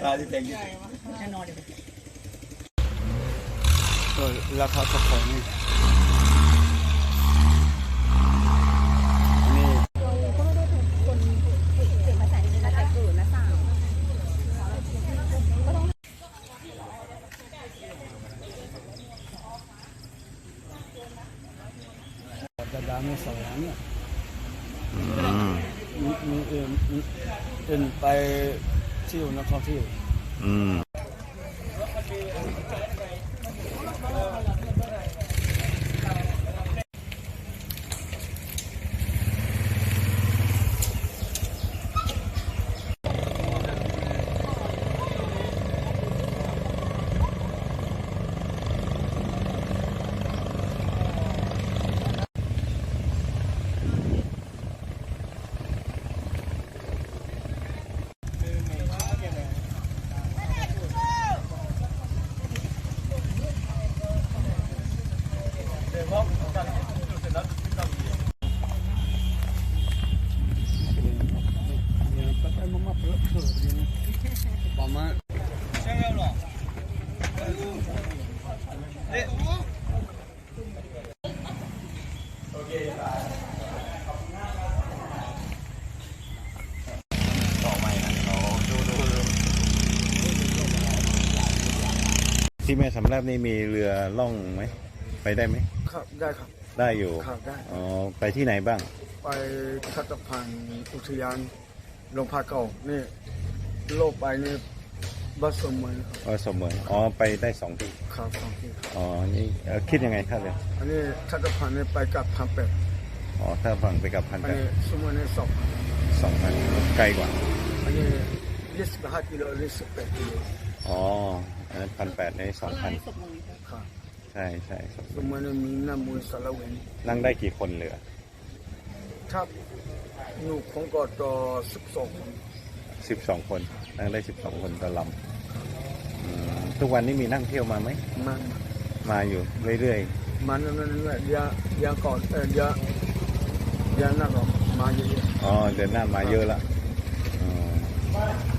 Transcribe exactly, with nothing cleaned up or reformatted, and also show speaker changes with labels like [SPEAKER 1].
[SPEAKER 1] าที่แพงที่สุด
[SPEAKER 2] แน่นอนเดี๋ยว
[SPEAKER 1] ราคากระป๋องนี่จะดังในสองเนี่ยมีมีเอ็นเอ็นไปเที่ยวนักท่องเที่ยวอืมที่แม่สำรับนี่มีเรือล่องไหมไปได้ไหม
[SPEAKER 3] ครับได้ครับ
[SPEAKER 1] ได้อยู่
[SPEAKER 3] ครับได้
[SPEAKER 1] อ๋อไปที่ไหนบ้าง
[SPEAKER 3] ไปคัตพันอุทยานหลวงพ่อเก่านี่โลกไปนี่บัสสมวย
[SPEAKER 1] อ๋อสมวยอ๋อไปได้สองที่
[SPEAKER 3] ครับสองที่
[SPEAKER 1] อ๋อนี่คิดยังไงครับเลย
[SPEAKER 3] อันนี้คัตพันนี่ไปกับพันแปด
[SPEAKER 1] อ๋อถ้าฝั่งไปกับพันแปด
[SPEAKER 3] สมวยนี่สอง
[SPEAKER 1] สองพันไกลกว่า
[SPEAKER 3] อันนี้ยี่สิบห้ากิโลยี่สิบแปดกิโล
[SPEAKER 1] อ๋ออันนั้นพันแปดในสองพัน
[SPEAKER 3] ครับ
[SPEAKER 1] ใช่ใช่
[SPEAKER 3] สมวยนี่มีน้ำมูลสารวิน
[SPEAKER 1] นั่งได้กี่คนเหลือ
[SPEAKER 3] ครับหนูของกอต่อสิบสองคน
[SPEAKER 1] สิบสองคนนั่งได้สิบสองคนต่อลำทุกวันนี้มีนั่งเที่ยวมาไหม
[SPEAKER 3] มา
[SPEAKER 1] มาอยู่เรื่อย
[SPEAKER 3] ๆมาเรื่อยๆยายาก่อนเออยายาหน้าก่อนมาเยอะ
[SPEAKER 1] ๆอ๋อเดือนหน้ามาเยอะละ